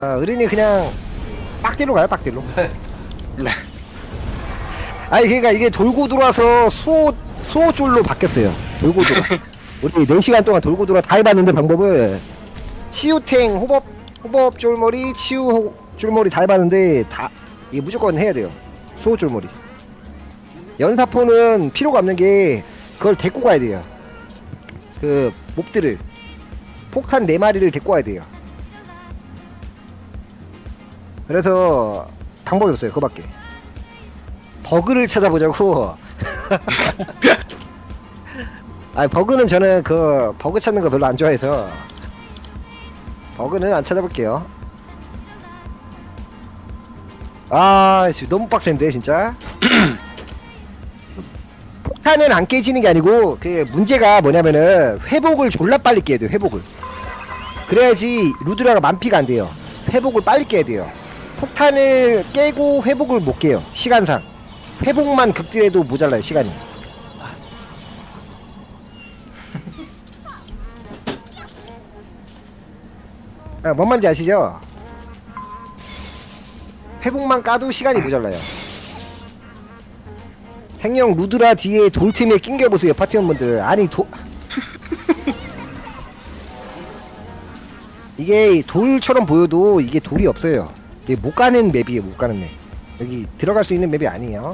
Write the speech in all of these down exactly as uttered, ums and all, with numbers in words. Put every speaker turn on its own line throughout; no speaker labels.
어, 의린이 그냥 빡딜로 가요, 빡딜로.
네.
아니 그러니까 이게 돌고 돌아서 수호 수호 쫄로 바뀌었어요. 돌고 돌아. 우리 네 시간 동안 돌고 돌아 다 해봤는데 방법을 치유탱 호법 호법 쫄머리 치유 호- 쫄머리 다 해봤는데 다 이게 무조건 해야 돼요. 수호 쫄머리. 연사포는 필요가 없는 게 그걸 데리고 가야 돼요. 그 몹들을 폭탄 네 마리를 데리고 가야 돼요. 그래서 방법이 없어요. 그거밖에. 버그를 찾아보자고. 아 버그는 저는 그 버그 찾는 거 별로 안 좋아해서 버그는 안 찾아볼게요. 아 지금 너무 빡센데 진짜. 폭탄은 안 깨지는 게 아니고 그 문제가 뭐냐면은 회복을 졸라 빨리 깨야 돼요. 회복을. 그래야지 루드라가 만피가 안 돼요. 회복을 빨리 깨야 돼요. 폭탄을 깨고 회복을 못 깨요. 시간상. 회복만 극딜해도 모자라요. 시간이. 아, 뭔 말인지 아시죠? 회복만 까도 시간이 모자라요. 생령 루드라 뒤에 돌틈에 낑겨보세요. 파티원분들. 아니 도... 이게 돌처럼 보여도 이게 돌이 없어요. 이게 못 가는 맵이에요. 못 가는 맵. 여기 들어갈 수 있는 맵이 아니에요.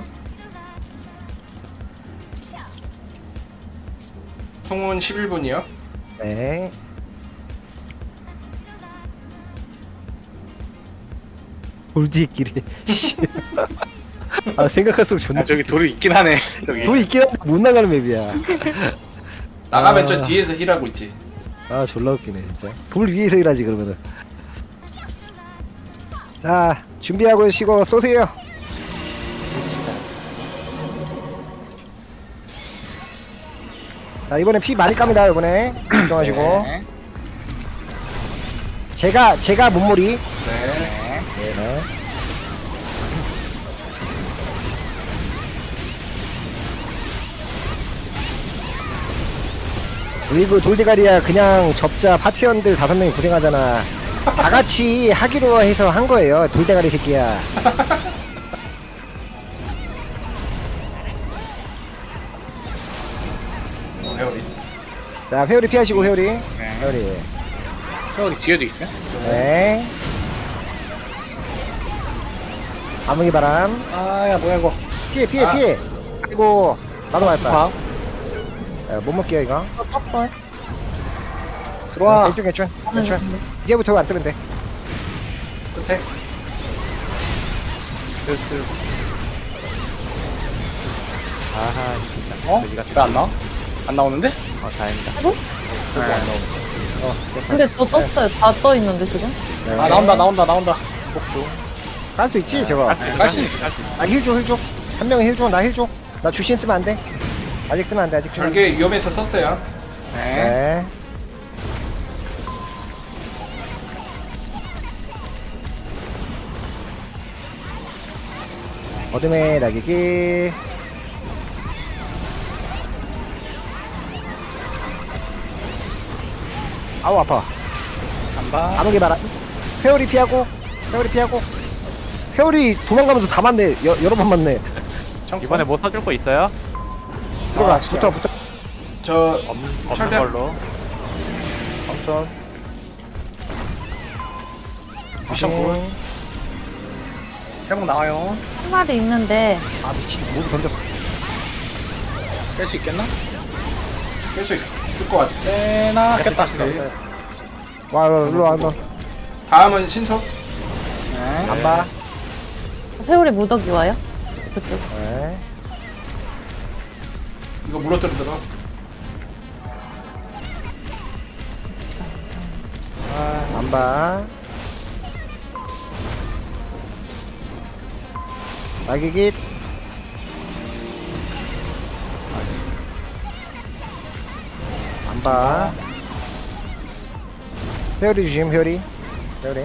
통운 십일 분이요.
네. 돌뒤길이. 아 생각할수록 존나.
아 저기 돌이 있긴 하네. 저기.
돌이 있긴 한데 못 나가는 맵이야.
나가면
아.
저 뒤에서 힐하고 있지.
아 졸라 웃기네 진짜. 돌 위에서 일하지 그러면은. 자 준비하고 쉬고 쏘세요. 자 이번에 피 많이 깝니다. 이번에 걱정하시고.
네.
제가 제가 몸무리.
네.
네. 우리 그 돌대가리야 그냥 접자 파티원들 다섯 명이 고생하잖아. 다 같이 하기로 해서 한 거예요. 돌대가리 새끼야.
어, 회오리.
자 회오리 피하시고 회오리.
네.
회오리.
저기 뒤에도 있어요?
네. 암흑의 바람.
아야 뭐야 이거.
피해 피해
아.
피해. 아이고 나도 맞았다.
봐.
야, 못 먹게요 이거.
어, 떴어요?
들어와.
괜춘 괜춘 괜춘. 이제부터 안 뜨면 돼.
끝에.
아하 진짜.
어? 왜 안 나와? 안 나오는데?
어 다행이다.
해보?
네.
어 괜찮아.
근데 저 떴어요. 다 떠 있는데 지금?
네.
아 나온다 나온다 나온다.
깔 수 있지 저거.
깔수 있어.
아힐줘힐줘. 한 명은 힐줘. 나 힐줘. 나 주신 쓰면 안 돼. 아직 쓰면 안 돼. 아직 쓰면 안 돼.
절개 위험해서 썼어요.
네.
네. 어둠의 낙이기. 아우 아파.
간다.
암흑의 바람. 회오리 피하고. 회오리 피하고. 회오리 도망가면서 다 맞네. 여, 여러 번 맞네.
이번에 뭐 사줄 거 있어요?
들어가.
아,
붙어 붙어.
저
없, 없는
철벽.
걸로.
삼천.
굿.
세목 나와요.
한 마리 있는데
아 미친. 모두 던졌어.
뺄 수 있겠나?
깰수 있을 것 같아.
빼나 깼다.
네.
와 일로 와. 너.
다음은 신속.
네.
안 봐.
회오리 무더기 와요? 그쪽.
네.
이거 물어뜯들어.
안 봐. 낙이기. 안 봐. 회오리 주심 회오리. 회오리.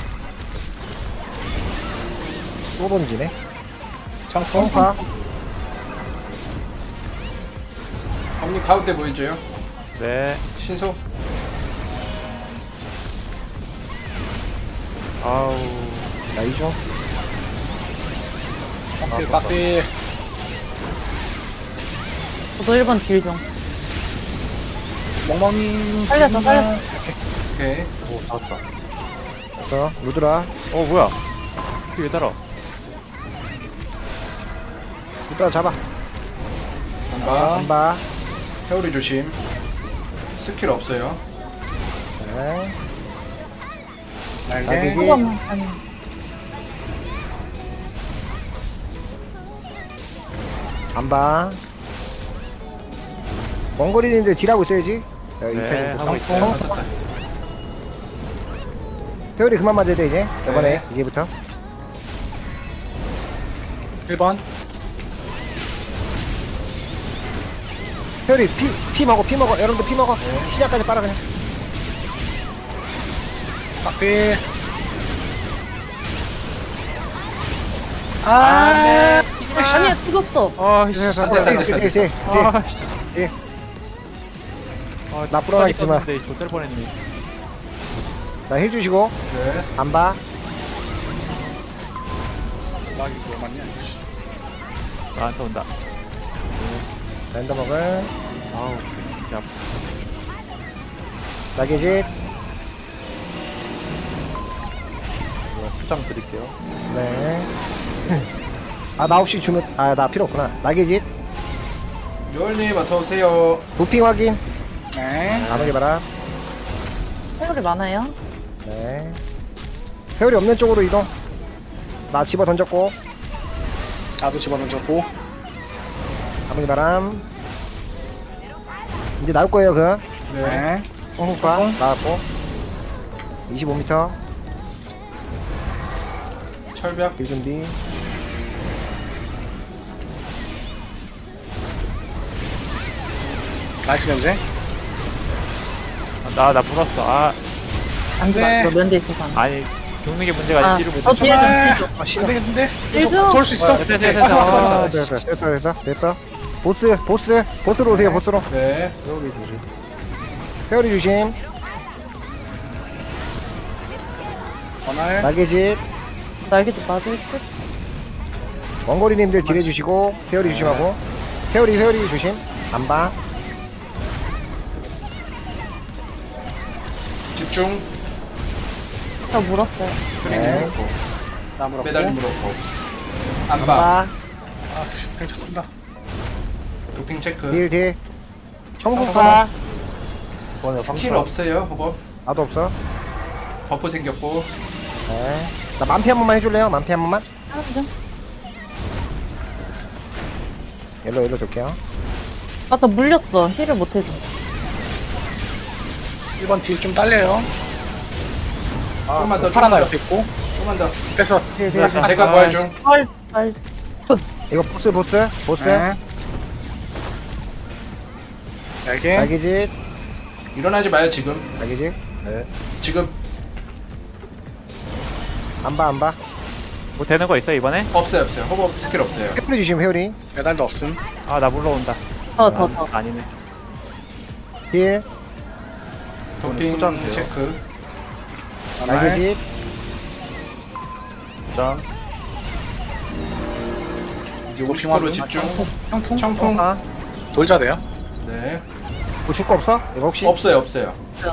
또 던지네.
청풍.
파.
형님 가운데 보여줘요.
네.
신속.
아우.
나 이중.
빡딜 빡딜.
저도 일 번 딜 중.
멍멍이.
살렸어, 살렸어.
오케이.
오 잡았다.
됐어. 루드라.
어, 뭐야. 왜 달아?
루드라 잡아.
한바.
한바.
회오리 조심. 스킬 없어요.
네.
날개.
날개.
한 번만. 아니.
한바. 원거리인데 딜하고 있어야지. 야,
네,
이태리
하고
네,
있어요.
맞았다.
회오리 그만 맞아야 돼 이제. 이번에
네.
이제부터.
일 번.
회오리 피, 피 먹어 피 먹어. 여러분들 피 먹어. 시작까지 빨아 그냥.
빡딜. 아.
아니야, 죽었어.
아, 씨.
안 됐어, 안 됐어, 안 됐어.
아, 씨.
예.
아,
나 불안하게 있지 마.
떴는데 좆될 뻔했네.
나힐 주시고.
네.
안 봐.
락이 뭐 맞냐?
나한테 온다.
랜더 먹을.
아우, 진짜.
나게짓.
수장 드릴게요.
네. 아, 나 없이 주면, 아, 나 필요 없구나. 나게짓.
묘얼님 어서오세요.
부핑 확인.
네.
안 오게 봐라.
회오리 많아요.
네. 회오리 없는 쪽으로 이동. 나 집어 던졌고.
나도 집어넣어줬고.
아무리 바람. 이제 나올 거예요, 그.
네.
홍국파. 나왔고. 이십오 미터.
철벽.
길 준비.
나이스 견제.
아, 나, 나 물었어. 아,
안 돼.
네.
저 면제 있어서 안 돼.
아니, 죽는 게 문제가
아,
아니지.
저 뒤에 좀
아,
딜 좀.
안 되겠는데?
딜 좀.
돌 수 있어?
됐어, 됐어, 됐어. 아,
아, 됐어, 됐어, 됐어, 됐어. 보스, 보스. 보스로 오세요, 보스로.
네.
회오리 조심. 회오리 조심.
전날.
나게짓.
날개도 맞을 듯.
원거리님들 딜해 주시고. 회오리 조심하고. 회오리, 회오리 조심. 안 봐.
집중.
저 물었어요.
크리님
네.
물었고.
나무로.
메달님 물었고.
안
안바.
봐.
아, 괜찮습니다.
도핑 체크.
딜, 딜. 청국파.
스킬 없어요, 호법.
나도 없어.
버프 생겼고.
네. 나 만피 한 번만 해줄래요? 만피 한 번만?
하나 좀.
일로, 일로 줄게요.
아, 나 물렸어. 힐을 못 해줘.
일 번 딜 좀 딸려요.
조금만 더,
파라나
조금만
옆에 있고.
조금만 더.
뺐어.
딜, 딜, 딜.
제가 부활 중.
헐, 헐.
이거 보스, 보스. 보스.
네. 날개.
날개짓.
일어나지 마요, 지금.
날개짓.
지금
안 봐, 안 봐.
뭐 되는 거 있어, 이번에?
없어요, 없어요. 호법 스킬 없어요.
회오리 주시면 회오리.
메달도 없음.
아, 나 물러온다.
저, 저, 저.
아, 아니네.
딜.
도핑
포장돼요.
체크.
날개짓.
점.
이제 오십 퍼센트 집중.
형풍.
청풍.
아.
돌자 돼요?
네.
뭐 줄 거 없어? 이거 혹시?
없어요, 없어요.
없어요.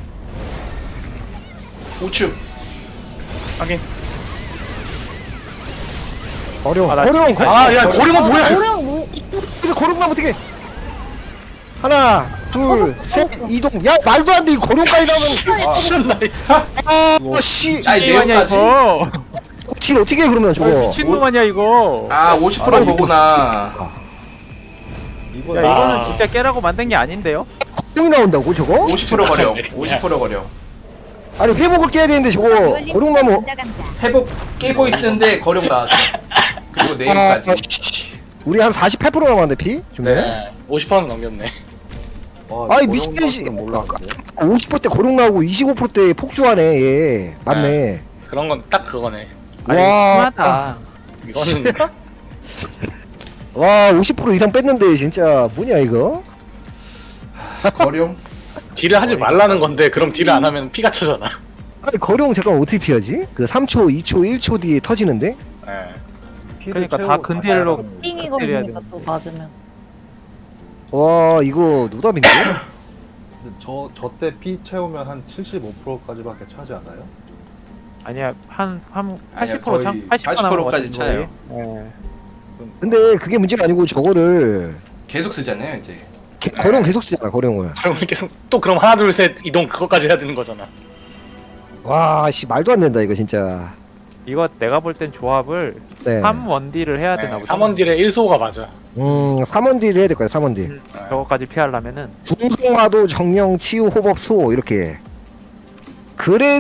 우측.
확인.
어려워.
아, 나
어려워.
지금
아, 야, 고리만 뭐야?
오령 뭐,
그래서 고룡만 어떻게? 하나, 둘, 셋, 이동. 야, 말도 안 돼. 이 고룡까지 나오면. 아, 씨.
아이,
게임 아니야,
내용까지.
이거.
딜 어떻게 해, 그러면 저거?
미친놈 아니야, 이거.
아, 오십 퍼센트 보구나.
야, 이거는 진짜 깨라고 만든 게 아닌데요?
고룡이 나온다고, 저거?
오십 퍼센트 거려. 오십 퍼센트 거려.
아니, 회복을 깨야 되는데 저거. 고룡 나면.
회복 깨고 있는데 거령 나왔어. 그리고
아,
내일까지.
씨. 우리 한 사십팔 퍼센트 남았는데, 피? 중에?
네.
오십 퍼센트 넘겼네.
아이, 미친 씨. 오십 퍼센트 때 고룡 나오고 이십오 퍼센트 때 폭주하네, 얘. 맞네.
그런 건 딱 그거네.
아니,
와.
심하다.
이거는
와, 오십 퍼센트 이상 뺐는데, 진짜. 뭐냐, 이거?
거령.
딜을 하지 말라는 건데 그럼 딜을 안 하면 피가 차잖아.
아니 거룡 잠깐 어떻게 피하지? 그 삼 초, 이 초, 일 초 뒤에 터지는데?
예.
그러니까 다 근딜로
띵이
때려야
걸리니까 또 맞으면.
와 이거 노답인데?
저, 저 때 피 채우면 한 칠십오 퍼센트까지밖에 차지 않아요?
아니야 한 한
아니야,
팔십 퍼센트
거의
참 팔십
팔십 퍼센트까지 차요.
어.
근데 그게 문제가 아니고 저거를
계속 쓰잖아요 이제.
개, 거룡 계속 쓰잖아 거룡을.
그러면 계속 또 그럼 하나 둘 셋 이동 그것까지 해야 되는 거잖아.
와씨 말도 안 된다 이거 진짜.
이거 내가 볼 땐 조합을
네.
삼 원딜을 해야 되나
네,
보다.
삼 원 딜에 일 소가 맞아.
음 삼 원 딜 해야 될 거야 삼 원 딜.
저거까지 피하려면은
중성화도 정령 치유 호법 소 이렇게. 그래